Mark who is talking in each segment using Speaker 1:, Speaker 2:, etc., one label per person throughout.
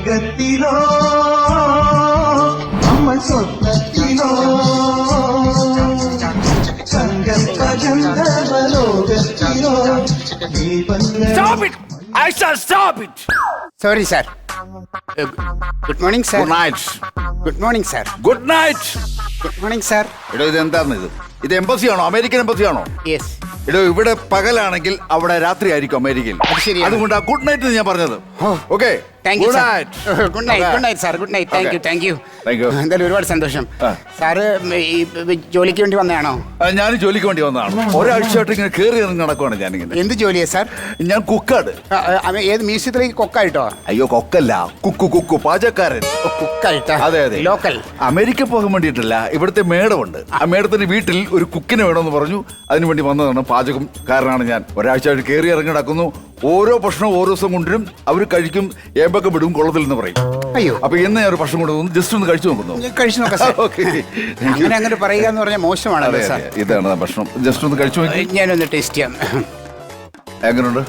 Speaker 1: സ്വർഗത്തിലോ നമ്മൾ സ്വപ്നത്തിലോ സങ്കൽപ്പഗന്ധർവലോകത്തിലോ
Speaker 2: Stop it! I shall stop it!
Speaker 3: Sorry sir. Good morning sir.
Speaker 2: Good night.
Speaker 3: Good morning sir.
Speaker 2: Good night.
Speaker 3: Good morning sir.
Speaker 2: എടോ ഇത് എന്താണ് ഇത് എംബസിയാണോ? അമേരിക്കൻ എംബസിയാണോ?
Speaker 3: യെസ്.
Speaker 2: എടോ ഇവിടെ പകലാണെങ്കിൽ അവിടെ രാത്രി ആയിരിക്കും അമേരിക്കയിൽ.
Speaker 3: അത് ശരിയാണ്.
Speaker 2: അതുകൊണ്ട് ഗുഡ് നൈറ്റ് ഞാൻ പറഞ്ഞത്. Okay
Speaker 3: thank you
Speaker 2: good
Speaker 3: sir.
Speaker 2: Night.
Speaker 3: Good night. Good night sir. Good night. Thank you. Thank you.
Speaker 2: Thank you.
Speaker 3: എന്തായാലും ഒരുപാട് സന്തോഷം.
Speaker 2: ആ.
Speaker 3: സാറ് ഈ ജോലിക്ക് വേണ്ടി വന്നതാണോ?
Speaker 2: ഞാൻ ജോലിക്ക് വേണ്ടി വന്നതാണ്. ഒരാഴ്ചയായിട്ട് ഇങ്ങനെ കയറി ഇറങ്ങി നടക്കുവാണ് ഞാനിങ്ങനെ.
Speaker 3: എന്ത് ജോലിയാ സാർ?
Speaker 2: ഞാൻ കുക്കാണ്.
Speaker 3: ഏത് മ്യൂസിയത്തിലേക്ക് കൊക്കായിട്ടോ?
Speaker 2: അയ്യോ കൊക്കല്ല, കുക്കു പാചകക്കാരൻ.
Speaker 3: കുക്കായിട്ടാ?
Speaker 2: അതെ അതെ.
Speaker 3: ലോക്കൽ.
Speaker 2: അമേരിക്ക പോകാൻ വേണ്ടിയിട്ടല്ല, ഇവിടുത്തെ മേഡമുണ്ട്. ആ മേഡത്തിന്റെ വീട്ടിൽ ഒരു കുക്കിനെ വേണമെന്ന് പറഞ്ഞു. അതിനുവേണ്ടി വന്നതാണ്. പാചകക്കാരനാണ് ഞാൻ. ഒരാഴ്ചയായിട്ട് കയറി ഇറങ്ങി നടക്കുന്നു. ഓരോ ഭക്ഷണം ഓരോ ദിവസം കൊണ്ടുവരും. അവർ കഴിക്കും, ഏമ്പൊക്കെ വിടും, കൊള്ളത്തിൽ എന്ന് പറയും.
Speaker 3: അയ്യോ.
Speaker 2: അപ്പൊ ഇന്ന് ഞാൻ ഒരു ഭക്ഷണം കൊണ്ടുവന്നു. ജസ്റ്റ് ഒന്ന് കഴിച്ചു നോക്കുന്നു.
Speaker 3: കഴിച്ചു നോക്കാം സാർ.
Speaker 2: ഓക്കെ.
Speaker 3: അങ്ങനെ പറയുക എന്ന് പറഞ്ഞാൽ മോശമാണല്ലോ സാർ.
Speaker 2: ഇതാണ് ഭക്ഷണം. ജസ്റ്റ് ഒന്ന് കഴിച്ചു നോക്കി.
Speaker 3: ഞാനൊന്ന് ടേസ്റ്റ് ചെയ്യാം.
Speaker 2: എങ്ങനെയുണ്ട്?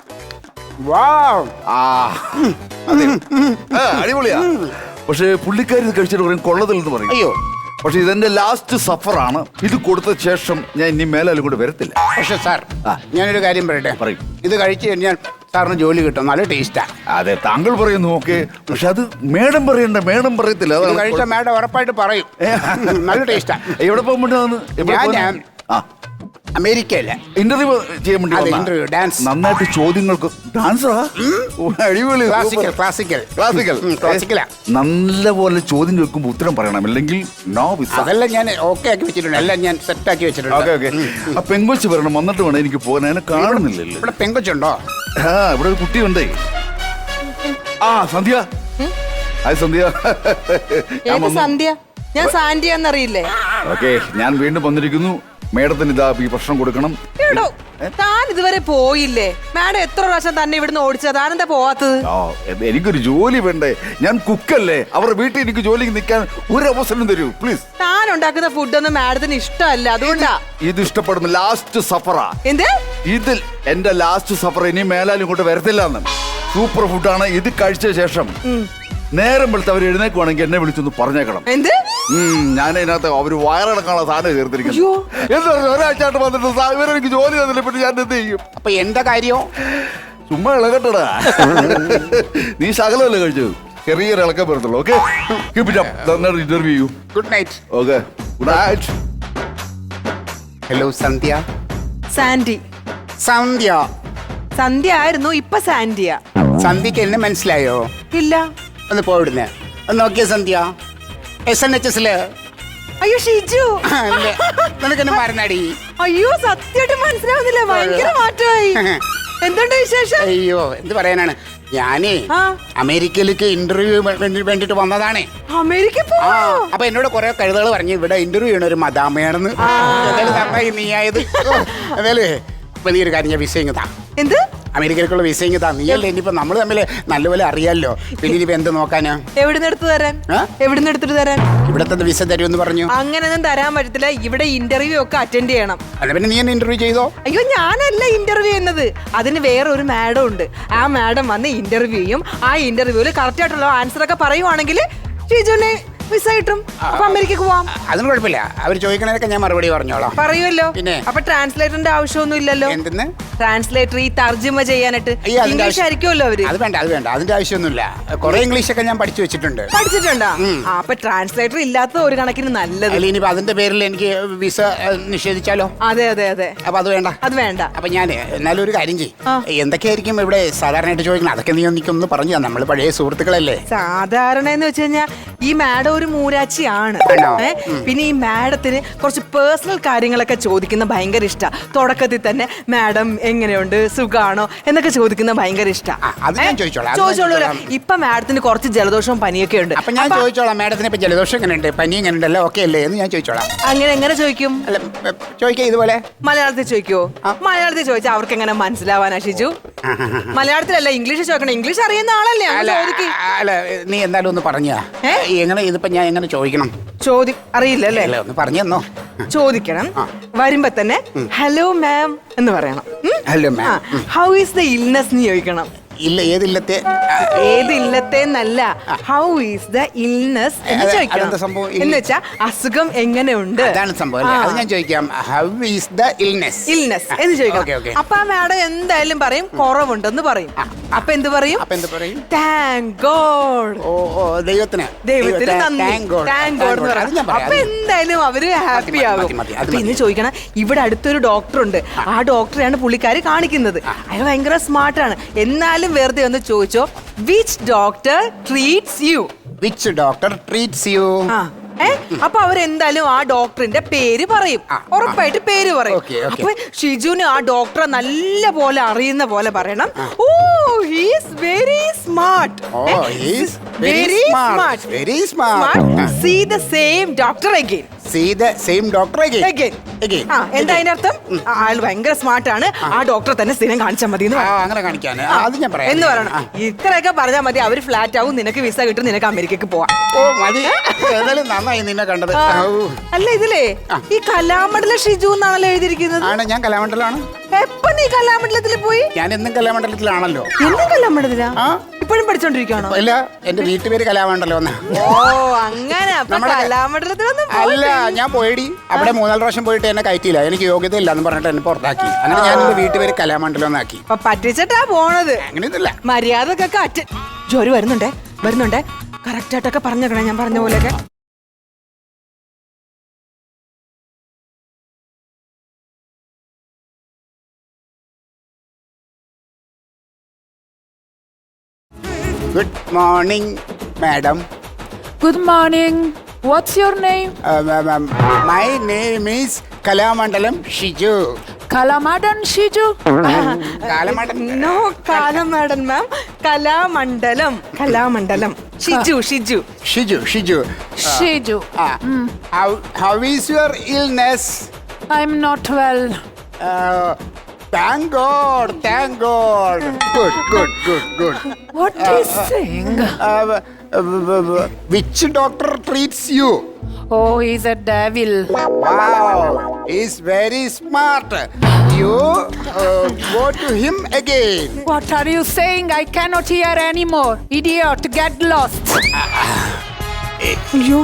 Speaker 3: വാവ്.
Speaker 2: ആ അതെ. അടിപൊളിയാ. പക്ഷെ പുള്ളിക്കാരി ഇത് കഴിച്ചിട്ട് പറയും കൊള്ളത്തിൽ എന്ന് പറയും.
Speaker 3: അയ്യോ.
Speaker 2: പക്ഷെ ഇതെന്റെ ലാസ്റ്റ് സഫറാണ്. ഇത് കൊടുത്ത ശേഷം ഞാൻ ഇനി മേലാലും കൂടെ വരത്തില്ല.
Speaker 3: പക്ഷെ സാർ, ഞാനൊരു കാര്യം പറയട്ടെ.
Speaker 2: പറയും.
Speaker 3: ഇത് കഴിച്ചു കഴിഞ്ഞാൽ സാറിന് ജോലി കിട്ടും. നല്ല ടേസ്റ്റാ.
Speaker 2: അതെ, താങ്കൾ പറയുന്നു. ഓക്കെ. പക്ഷെ അത് മേഡം പറയണ്ട. മേഡം പറയത്തില്ല.
Speaker 3: ഇത് കഴിച്ച മേഡം ഉറപ്പായിട്ട് പറയും. നല്ല ടേസ്റ്റാ.
Speaker 2: എവിടെ പോകാൻ വേണ്ടി? ആ,
Speaker 3: അമേരിക്കയില്ല.
Speaker 2: ഇന്റർവ്യൂ ചെയ്യാൻ വേണ്ടി വന്നതാ.
Speaker 3: Interview, dance.
Speaker 2: നന്നായിട്ട് ചോദ്യങ്ങൾക്ക് ഡാൻസാ. അടിപൊളി.
Speaker 3: ക്ലാസിക്കലാ.
Speaker 2: നല്ല പോലെ ചോദ്യം ചോദിക്കുമ്പോൾ ഉത്തരം പറയണം, അല്ലെങ്കിൽ നോ വിസ.
Speaker 3: അതെല്ലാം ഞാൻ ഓക്കെ ആക്കി വെച്ചിട്ടുണ്ട്. എല്ലാം ഞാൻ സെറ്റ് ആക്കി വെച്ചിട്ടുണ്ട്.
Speaker 2: Okay okay. ആ പെങ്കൊച്ച് വരണം, വന്നിട്ട് വേണം എനിക്ക് പോകാൻ. അതിനെ കാണുന്നില്ലല്ലോ.
Speaker 3: ഇവിടെ പെങ്കൊച്ചുണ്ടോ?
Speaker 2: ആ, ഇവിടെ ഒരു കുട്ടിയുണ്ടേ. ആ, സന്ധ്യ. ഹായ് സന്ധ്യ.
Speaker 4: സന്ധ്യ? ഞാൻ സാന്റിയ എന്നറിയില്ലേ?
Speaker 2: ഓക്കെ, ഞാൻ വീണ്ടും വന്നിരിക്കുന്നു. മേഡത്തിന് ഇതാ ഈ ഭക്ഷണം കൊടുക്കണം.
Speaker 4: താൻ ഇതുവരെ പോയില്ലേ? മാഡം എത്ര പ്രാവശ്യം തന്നെ ഇവിടുന്ന് ഓടിച്ചത്? താനെന്താ പോവാത്തത്?
Speaker 2: എനിക്കൊരു ജോലി വേണ്ടേ? ഞാൻ കുക്കല്ലേ. അവരുടെ വീട്ടിൽ എനിക്ക് ജോലിക്ക് നിൽക്കാൻ ഒരു അവസരം തരൂ പ്ലീസ്.
Speaker 4: താൻ ഉണ്ടാക്കുന്ന ഫുഡൊന്നും മാഡത്തിന് ഇഷ്ടമല്ല, അതുകൊണ്ടാ.
Speaker 2: ഇത് ഇഷ്ടപ്പെടുന്നു. ലാസ്റ്റ് സഫറാ.
Speaker 4: എന്ത്?
Speaker 2: ഇതിൽ എന്റെ ലാസ്റ്റ് സഫർ. ഇനി മേലാലും ഇങ്ങോട്ട് വരത്തില്ല എന്ന്. സൂപ്പർ ഫുഡാണ്. ഇത് കഴിച്ച ശേഷം നേരം വെളുത്ത് അവർ എഴുന്നേക്കുവാണെങ്കിൽ എന്നെ വിളിച്ചൊന്ന് പറഞ്ഞേക്കണം.
Speaker 4: എന്ത്?
Speaker 2: ഞാൻ ഇതിനകത്ത് അവര് വയറടക്കാനുള്ള സാധനം ചേർത്തിരിക്കുന്നു. എന്താ ഒരാഴ്ചയായിട്ട് വന്നിട്ട് ഇവരെനിക്ക് ജോലി തന്നില്ല. പിന്നെ ഞാൻ എന്ത് ചെയ്യും?
Speaker 3: അപ്പൊ എന്താ കാര്യം?
Speaker 2: ചുമ്മാ ഇളകട്ടടാ. നീ ശകലമല്ലേ കഴിച്ചത്? ചെറിയൊരു ഇളക്കം വരത്തുള്ളൂ. ഓക്കെ, നന്നായിട്ട് ഇന്റർവ്യൂ ചെയ്യൂ.
Speaker 3: Good night.
Speaker 2: Okay, good night.
Speaker 3: Hello Sandhya.
Speaker 4: Santy.
Speaker 3: Sandhya.
Speaker 4: Sandhya ആയിരുന്നു, ഇപ്പൊ സാന്റിയ.
Speaker 3: സന്ധ്യക്ക് എന്നെ മനസ്സിലായോ?
Speaker 4: ഇല്ല.
Speaker 3: ഒന്ന് പോയിടുന്നേ. ഒന്ന് നോക്കിയ സന്ധ്യ. SNHS
Speaker 4: അയ്യോ ഷിജു,
Speaker 3: നിനക്ക് എന്നെ മറന്നാടി.
Speaker 4: അയ്യോ സത്യമായിട്ട് മനസ്സിലാവുന്നില്ല. ഭയങ്കര മാറ്റമായി. എന്തുണ്ട് വിശേഷം?
Speaker 3: അയ്യോ, എന്ത് പറയാനാണ്. ഞാനേ അമേരിക്കയിലേക്ക് ഇന്റർവ്യൂ വേണ്ടിട്ട് വന്നതാണേ.
Speaker 4: അമേരിക്ക?
Speaker 3: അപ്പൊ എന്നോട് കുറെ കഴുതകൾ പറഞ്ഞു ഇവിടെ ഇന്റർവ്യൂ ചെയ്യണ ഒരു മദാമയാണെന്ന്. നീ ആയത് അതല്ലേ. ഇപ്പൊ നീ ഒരു കാര്യം, ഞാൻ വിസ ഇങ്ങതാ.
Speaker 4: എന്ത്?
Speaker 3: അമേരിക്കയിലേക്കുള്ള വിസ ഇങ്ങതാ. നീയല്ലേ ഇനിയിപ്പോ നമ്മള് തമ്മിൽ നല്ലപോലെ അറിയാലോ. പിന്നെ ഇനിയിപ്പോ എന്ത് നോക്കാനാ?
Speaker 4: എവിടുന്ന് എടുത്തു തരാൻ? എവിടുന്ന് എടുത്തിട്ട് തരാൻ?
Speaker 3: ഇവിടത്തെ വിസ തരുമെന്ന് പറഞ്ഞു.
Speaker 4: അങ്ങനെയൊന്നും തരാൻ പറ്റത്തില്ല. ഇവിടെ ഇന്റർവ്യൂ ഒക്കെ അറ്റൻഡ് ചെയ്യണം.
Speaker 3: അല്ല പിന്നെ നീ എന്നെ ഇന്റർവ്യൂ ചെയ്തോ?
Speaker 4: അയ്യോ ഞാനല്ല ഇന്റർവ്യൂ ചെയ്യുന്നത്. അതിന് വേറെ ഒരു മാഡം ഉണ്ട്. ആ മാഡം വന്ന് ഇന്റർവ്യൂ ചെയ്യും. ആ ഇന്റർവ്യൂവിൽ കറക്റ്റ് ആയിട്ടുള്ള ആൻസർ ഒക്കെ പറയുവാണെങ്കിൽ ഷിജുവിനെ വിസ കിട്ടും. അപ്പൊ അമേരിക്കക്ക് പോവാം.
Speaker 3: അതിന് കുഴപ്പമില്ല. അവർ ചോദിക്കണതൊക്കെ ഞാൻ മറുപടി പറഞ്ഞോളാം.
Speaker 4: പറയുമല്ലോ.
Speaker 3: പിന്നെ
Speaker 4: അപ്പൊ ട്രാൻസ്ലേറ്ററിന്റെ ആവശ്യമൊന്നും ഇല്ലല്ലോ.
Speaker 3: എന്തെന്ന്?
Speaker 4: ട്രാൻസ്ലേറ്റർ ഈ തർജ്ജമ ചെയ്യാനായിട്ട് ഇംഗ്ലീഷ് ആയിരിക്കുമല്ലോ അവര്.
Speaker 3: അത് വേണ്ട, അത് വേണ്ട. അതിന്റെ ആവശ്യമൊന്നുമില്ല. കുറെ ഇംഗ്ലീഷ് ഒക്കെ ഞാൻ പഠിച്ചു വെച്ചിട്ടുണ്ട്.
Speaker 4: പഠിച്ചിട്ടുണ്ടോ? അപ്പൊ ട്രാൻസ്ലേറ്റർ ഇല്ലാത്ത ഒരു കണക്കിന് നല്ലത്.
Speaker 3: അല്ല ഇനിയിപ്പോ അതിന്റെ പേരിൽ എനിക്ക് വിസ നിഷേധിച്ചാലോ?
Speaker 4: അതെ അതെ അതെ.
Speaker 3: അപ്പൊ അത് വേണ്ട,
Speaker 4: അത് വേണ്ട.
Speaker 3: അപ്പൊ ഞാൻ എന്നാലും ഒരു കാര്യം ചെയ്യും. എന്തൊക്കെയായിരിക്കും ഇവിടെ സാധാരണയായിട്ട് ചോദിക്കണം? അതൊക്കെ നീ എനിക്കൊന്ന് പറഞ്ഞു തന്നെ. നമ്മൾ പഴയ സുഹൃത്തുക്കളല്ലേ.
Speaker 4: സാധാരണ എന്ന് വെച്ച് കഴിഞ്ഞാൽ ഈ മാഡം ഒരു മൂരാച്ചിയാണ്. പിന്നെ ഈ മാഡത്തിന് കുറച്ച് പേഴ്സണൽ കാര്യങ്ങളൊക്കെ ചോദിക്കുന്ന ഭയങ്കര ഇഷ്ടാ. തുടക്കത്തിൽ തന്നെ മാഡം എങ്ങനെയുണ്ട്, സുഖാണോ എന്നൊക്കെ ചോദിക്കുന്ന ഭയങ്കര ഇഷ്ടാ. ചോദിച്ചോളൂ. ഇപ്പൊ മാഡത്തിന് കുറച്ച് ജലദോഷവും പനിയൊക്കെ ഉണ്ട്.
Speaker 3: അപ്പൊ ഞാൻ ചോദിച്ചോളാം, മാഡത്തിന് ഇപ്പൊ ജലദോഷം എങ്ങനെയുണ്ട്, പനി എങ്ങനെയുണ്ട്, എല്ലാം ഓക്കെ അല്ലേ എന്ന് ഞാൻ ചോദിച്ചോളാം.
Speaker 4: എങ്ങനെ ചോദിക്കും?
Speaker 3: അല്ല ചോദിക്കാം ഇതുപോലെ.
Speaker 4: മലയാളത്തിൽ ചോദിക്കോ? മലയാളത്തിൽ ചോദിച്ചാൽ അവർക്ക് എങ്ങനെ മനസ്സിലാവാനാ ഷിജു? മലയാളത്തിലല്ല, ഇംഗ്ലീഷ് ചോദിക്കണം. ഇംഗ്ലീഷ് അറിയുന്ന ആളല്ലേ?
Speaker 3: അല്ല നീ എന്തായാലും ഒന്ന് പറഞ്ഞാ എങ്ങനെ ഇതിപ്പോ ഞാൻ എങ്ങനെ ചോദിക്കണം?
Speaker 4: അറിയില്ല അല്ലേ?
Speaker 3: ഒന്ന് പറഞ്ഞു തന്നോ.
Speaker 4: ചോദിക്കണം. വരുമ്പോ തന്നെ ഹലോ മാം എന്ന് പറയണം.
Speaker 3: Hello ma'am,
Speaker 4: how is the illness എന്ന് ചോദിക്കണം.
Speaker 3: ഇല്ല ഏതില്ലത്തെ
Speaker 4: ഏതില്ലത്തെന്നല്ല, ഹൗ ഈസ് ദ ഇൽനെസ് എന്ന്
Speaker 3: അതെന്താ
Speaker 4: ചോദിക്കണം.
Speaker 3: സംഭവം?
Speaker 4: എന്ന് വെച്ചാ അസുഖം എങ്ങനെയുണ്ട്,
Speaker 3: അതാണ് സംഭവം അല്ലേ? അത് ഞാൻ ചോദിക്കാം. How is the illness
Speaker 4: illness എന്ന്
Speaker 3: Okay,
Speaker 4: ചോദിക്കണം.
Speaker 3: okay.
Speaker 4: അപ്പൊ ആ മാഡം എന്തായാലും പറയും കുറവുണ്ടെന്ന് പറയും. അപ്പൊ എന്ത് പറയും?
Speaker 3: അപ്പൊ എന്ത് പറയും?
Speaker 4: Thank God.
Speaker 3: ഓ ദൈവത്തിന്
Speaker 4: ദൈവത്തിന് നന്ദി,
Speaker 3: Thank God.
Speaker 4: താങ്ക് ഗോഡ് എന്ന്
Speaker 3: അത്
Speaker 4: പറയും.
Speaker 3: ഞാൻ പറയാം.
Speaker 4: അപ്പൊ എന്തായാലും അവര് ഹാപ്പി ആകും.
Speaker 3: മതി, അത്
Speaker 4: അപ്പൊ ഇന്ന് ചോദിക്കണം, ഇവിടെ അടുത്തൊരു ഡോക്ടർ ഉണ്ട്, ആ ഡോക്ടറെയാണ് പുള്ളിക്കാരി കാണിക്കുന്നത്. അയാൾ ഭയങ്കര സ്മാർട്ടാണ്. എന്നാലും വെറുതെ ഒന്ന് ചോദിച്ചോ, which doctor treats you?
Speaker 3: Which doctor treats you?
Speaker 4: അപ്പൊ അവരെന്തായാലും ആ ഡോക്ടറിന്റെ പേര് പറയും. ഉറപ്പായിട്ട് പേര് പറയും.
Speaker 3: Okay, okay.
Speaker 4: അപ്പൊ ഷിജുവിന് ആ ഡോക്ടറെ നല്ല പോലെ അറിയുന്ന പോലെ പറയണം. Oh he's very smart.
Speaker 3: Oh, he's very smart. Very smart.
Speaker 4: See the same doctor again.
Speaker 3: See the same doctor again.
Speaker 4: Again.
Speaker 3: Again.
Speaker 4: എന്താ അതിന്റെ അർത്ഥം? ആൾ ഭയങ്കര സ്മാർട്ട് ആണ്, ആ ഡോക്ടറെ തന്നെ സ്ഥിരം കാണിച്ചാൽ മതി എന്ന് പറയണം.
Speaker 3: അങ്ങനെ കാണിക്കാൻ അത് ഞാൻ പറയാം
Speaker 4: എന്ന് പറയണം. ഇത്രയൊക്കെ പറഞ്ഞാൽ മതി, അവര് ഫ്ലാറ്റ് ആവും, നിനക്ക് വിസ കിട്ടും, നിനക്ക് അമേരിക്കക്ക് പോവാം.
Speaker 3: ഓ മതി. ഏതായാലും നന്നായി നിന്നെ കണ്ടത്.
Speaker 4: അല്ല ഇതിലേ ഈ കലാമണ്ഡല ഷിജു എന്നാണല്ലോ എഴുതിയിരിക്കുന്നത്.
Speaker 3: ആണ്, ഞാൻ കലാമണ്ഡലാണ്.
Speaker 4: എപ്പൊ നീ കലാമണ്ഡലത്തിൽ പോയി?
Speaker 3: ഞാൻ എന്നും കലാമണ്ഡലത്തിലാണല്ലോ.
Speaker 4: എന്നും കലാമണ്ഡലത്തിലാ?
Speaker 3: ആ.
Speaker 4: ഇപ്പോഴും പഠിച്ചോണ്ടിരിക്കുകയാണോ?
Speaker 3: ഇല്ല, എന്റെ വീട്ടുപേര് കലാമണ്ഡലം എന്നാ.
Speaker 4: ഓ അങ്ങനെ. അപ്പൊ കലാമണ്ഡലത്തിലൊന്നും
Speaker 3: അല്ല, ഞാൻ പോയിടി അവിടെ 3-4 പ്രാവശ്യം പോയിട്ട് എന്നെ കയറ്റിയില്ല. എനിക്ക് യോഗ്യത ഇല്ല എന്ന് പറഞ്ഞിട്ട് എന്നെ പുറത്താക്കി. അങ്ങനെ ഞാൻ എന്റെ വീട്ടുപേര് കലാമണ്ഡലം എന്നാക്കി.
Speaker 4: അപ്പൊ പറ്റിച്ചിട്ടാ പോണത്.
Speaker 3: അങ്ങനെയൊന്നുമില്ല.
Speaker 4: മര്യാദക്കൊക്കെ ജോലി വരുന്നുണ്ടേ കറക്റ്റ് ആയിട്ടൊക്കെ പറഞ്ഞേക്കണേ, ഞാൻ പറഞ്ഞ പോലെയൊക്കെ.
Speaker 3: Good morning madam.
Speaker 5: Good morning. What's your name?
Speaker 3: My name is Kalamandalam Shiju.
Speaker 5: Kalamadan Shiju?
Speaker 3: Kalamandalam.
Speaker 4: No കാലമാടൻ ma'am, Kalamandalam. Shiju.
Speaker 3: Shiju.
Speaker 5: Shiju.
Speaker 3: How is your illness?
Speaker 5: I'm not well.
Speaker 3: Thank God. Good.
Speaker 5: What is saying?
Speaker 3: Which doctor treats you?
Speaker 5: Oh, he's a devil.
Speaker 3: Wow, he's very smart. You go to him again.
Speaker 5: What are you saying? I cannot hear anymore. Idiot, get lost.
Speaker 4: അയ്യോ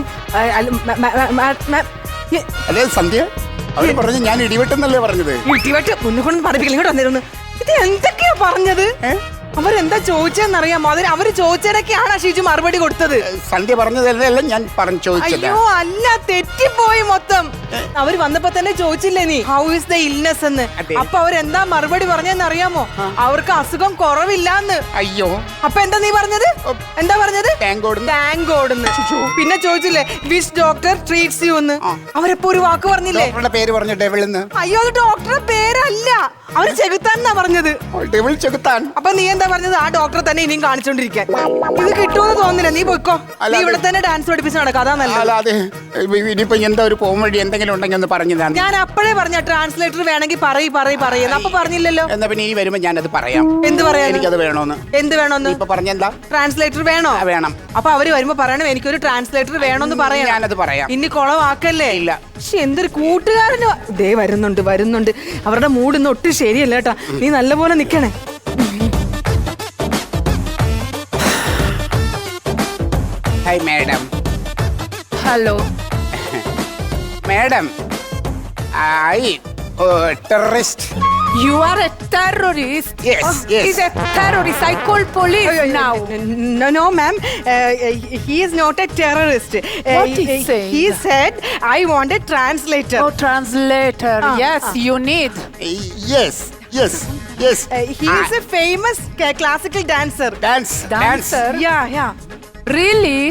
Speaker 3: അല്ലേ സന്ധ്യ? അവര് പറഞ്ഞു ഞാൻ ഇടിവെട്ടെന്നല്ലേ പറഞ്ഞത്?
Speaker 4: ഇടിവെട്ട് മുന്നുകൊണ്ട് പറപ്പിക്കൽ ഇങ്ങോട്ട് വന്നിരുന്നു. ഇത് എന്തൊക്കെയാ പറഞ്ഞത്? അവരെന്താ ചോദിച്ചെന്നറിയാമോ? അതിന് അവര് ചോദിച്ചതിനൊക്കെയാണ് ഷിജു മറുപടി കൊടുത്തത്.
Speaker 3: സന്ധ്യ പറഞ്ഞതല്ല ഞാൻ ചോദിച്ചത്.
Speaker 4: അയ്യോ അല്ല, തെറ്റിപ്പോയി മൊത്തം. അവര് വന്നപ്പോ തന്നെ ചോദിച്ചില്ലേ നീ ഹൗ ഇസ് ദ ഇൽനെസ് എന്ന്?
Speaker 3: അതെ.
Speaker 4: അപ്പൊ അവരെന്താ മറുപടി പറഞ്ഞെന്ന് അറിയാമോ? അവർക്ക് അസുഖം കുറവില്ലാന്ന്.
Speaker 3: അയ്യോ,
Speaker 4: അപ്പൊ എന്താ നീ പറഞ്ഞത്? എന്താ പറഞ്ഞത്?
Speaker 3: Thank God.
Speaker 4: Thank God. പിന്നെ ചോദിച്ചില്ലേ വിച്ച് ഡോക്ടർ ട്രീറ്റ്സ് യു എന്ന്? അവരെപ്പോ ഒരു വാക്ക് പറഞ്ഞില്ലേ?
Speaker 3: ഡോക്ടറുടെ പേര് പറഞ്ഞു ഡെവിൾ എന്ന്.
Speaker 4: അയ്യോ അത് ഡോക്ടറുടെ പേരല്ല, അവര് ചെകുത്താൻ എന്നാ പറഞ്ഞത്.
Speaker 3: ഡെവിൾ ചെകുത്താൻ.
Speaker 4: അപ്പൊ നീ എന്താ പറഞ്ഞത്? ആ ഡോക്ടറെ തന്നെ ഇനിയും കാണിച്ചോണ്ടിരിക്കാൻ. ഇത് കിട്ടുമെന്ന് തോന്നുന്നില്ല, നീ പോയിക്കോ. നീ ഇവിടെ തന്നെ ഡാൻസ് പഠിപ്പിച്ച് നടക്കാം, അതാ നല്ലത്.
Speaker 3: അല്ലാതെ ഇനിയിപ്പോ എന്താ ഒരു പോം വഴി എന്തെങ്കിലും ഉണ്ടെങ്കിൽ ഒന്ന് പറഞ്ഞു തന്നെ.
Speaker 4: ഞാൻ അപ്പോഴേ പറഞ്ഞ ട്രാൻസ്ലേറ്റർ വേണമെങ്കിൽ പറയുന്നു. അപ്പൊ പറഞ്ഞില്ലല്ലോ.
Speaker 3: എന്നാ പിന്നെ ഇനി വരുമ്പോ ഞാനത് പറയാം.
Speaker 4: എന്ത് പറയാ?
Speaker 3: എനിക്കത് വേണോന്ന്.
Speaker 4: എന്ത് വേണോന്ന്?
Speaker 3: ഇപ്പൊ പറഞ്ഞെന്താ?
Speaker 4: ട്രാൻസ്ലേറ്റർ വേണോ?
Speaker 3: വേണം.
Speaker 4: അപ്പൊ അവര് വരുമ്പോ പറയണം എനിക്കൊരു ട്രാൻസ്ലേറ്റർ വേണോന്ന് പറയാം.
Speaker 3: ഞാനത് പറയാം.
Speaker 4: ഇനി കുളവാക്കല്ലേ?
Speaker 3: ഇല്ല.
Speaker 4: പക്ഷെ എന്തൊരു കൂട്ടുകാരന് ദേ വരുന്നുണ്ട്. അവരുടെ മൂഡ് ഇന്ന് ഒട്ടും ശരിയല്ല കേട്ടാ. നീ നല്ലപോലെ നിക്കണേ.
Speaker 3: Hi madam.
Speaker 5: Hello.
Speaker 3: Madam, terrorist.
Speaker 5: You are a terrorist.
Speaker 3: Yes, yes.
Speaker 5: He's a terrorist. I call police now.
Speaker 4: No, ma'am. He is not a terrorist.
Speaker 5: What is saying?
Speaker 4: He said, I want a translator.
Speaker 5: Oh, translator. Yes, you need.
Speaker 3: Yes.
Speaker 4: He is a famous classical dancer.
Speaker 5: Dancer?
Speaker 4: Yeah.
Speaker 5: Really?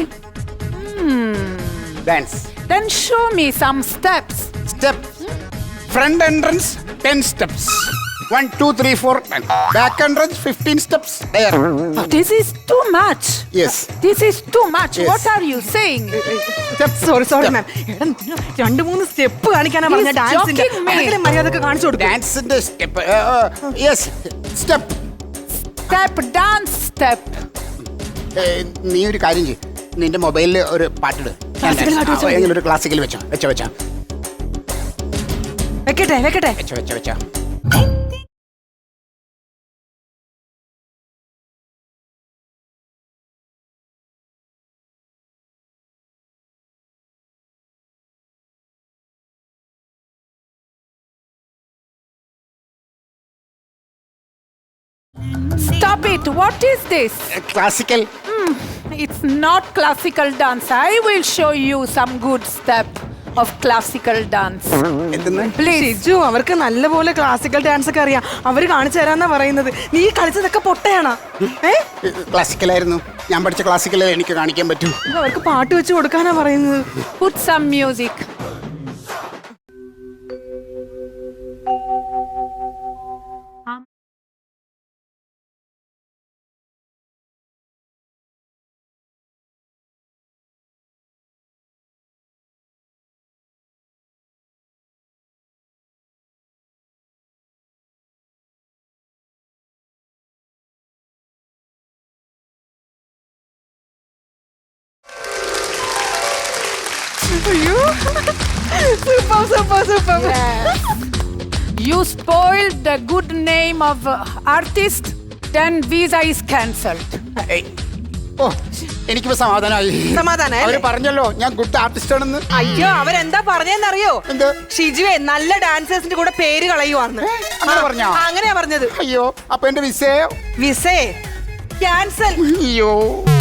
Speaker 3: Dance.
Speaker 5: Then show me some steps.
Speaker 3: Steps. Front entrance 10 steps. 1, 2, 3, 4, 10. Back entrance 15 steps. There.
Speaker 5: Oh, this is too much.
Speaker 3: Yes.
Speaker 5: This is too much.
Speaker 3: Yes.
Speaker 5: What are you saying?
Speaker 4: Sorry, ma'am. 2-3 step കാണിക്കാനാ പറഞ്ഞ
Speaker 5: He's
Speaker 4: ഡാൻസിന്റെ.
Speaker 5: joking me.
Speaker 4: അതൊക്കെ മര്യാദക്ക് കാണിച്ചു കൊടുക്കും.
Speaker 3: Danceന്റെ step. Yes. Step.
Speaker 5: Step, dance step.
Speaker 3: നീ ഒരു കാര്യം ചെയ്യ്. നിന്റെ മൊബൈലിൽ ഒരു പാട്ടിട്.
Speaker 4: Classical പാട്ട് വെച്ചോ.
Speaker 3: എങ്ങനെ ഒരു ക്ലാസിക്കൽ വെച്ചോ.
Speaker 4: വെക്കട്ടെ.
Speaker 3: വെച്ചോ.
Speaker 5: Stop it. What is this?
Speaker 3: Classical.
Speaker 5: It's not classical dance. I will show you some good step of classical dance.
Speaker 3: എന്തെന്ന്?
Speaker 5: Please.
Speaker 4: ഷിജു അവർക്ക് നല്ലപോലെ ക്ലാസിക്കൽ ഡാൻസ് ഒക്കെ അറിയാം. അവര് കാണിച്ചു തരാന്നാ പറയുന്നത്. നീ കളിച്ചതൊക്കെ പൊട്ടയാണോ?
Speaker 3: ക്ലാസിക്കലായിരുന്നു. ഞാൻ പഠിച്ച ക്ലാസിക്കലേ എനിക്ക് കാണിക്കാൻ പറ്റൂ.
Speaker 4: അവർക്ക് പാട്ട് വെച്ച് കൊടുക്കാനാ പറയുന്നത്.
Speaker 5: Put some music.
Speaker 4: Super.
Speaker 5: You spoiled the good name of artist, then visa is cancelled.
Speaker 3: ഓ എനിക്കിപ്പോ സമാധാനമായി.
Speaker 4: സമാധാനായി
Speaker 3: അവര് പറഞ്ഞല്ലോ ഞാൻ ഗുഡ് ആർട്ടിസ്റ്റ് ആണെന്ന്.
Speaker 4: അയ്യോ അവരെന്താ പറഞ്ഞെന്നറിയോ?
Speaker 3: എന്ത്?
Speaker 4: ഷിജുവേ നല്ല ഡാൻസേഴ്സിന്റെ കൂടെ പേര് കളയുവാന്ന്.
Speaker 3: അങ്ങനെ പറഞ്ഞോ?
Speaker 4: അങ്ങനെയാ പറഞ്ഞത്.
Speaker 3: അയ്യോ അപ്പൊ എന്റെ വിസയോ?
Speaker 4: വിസേ ക്യാൻസൽ.
Speaker 3: അയ്യോ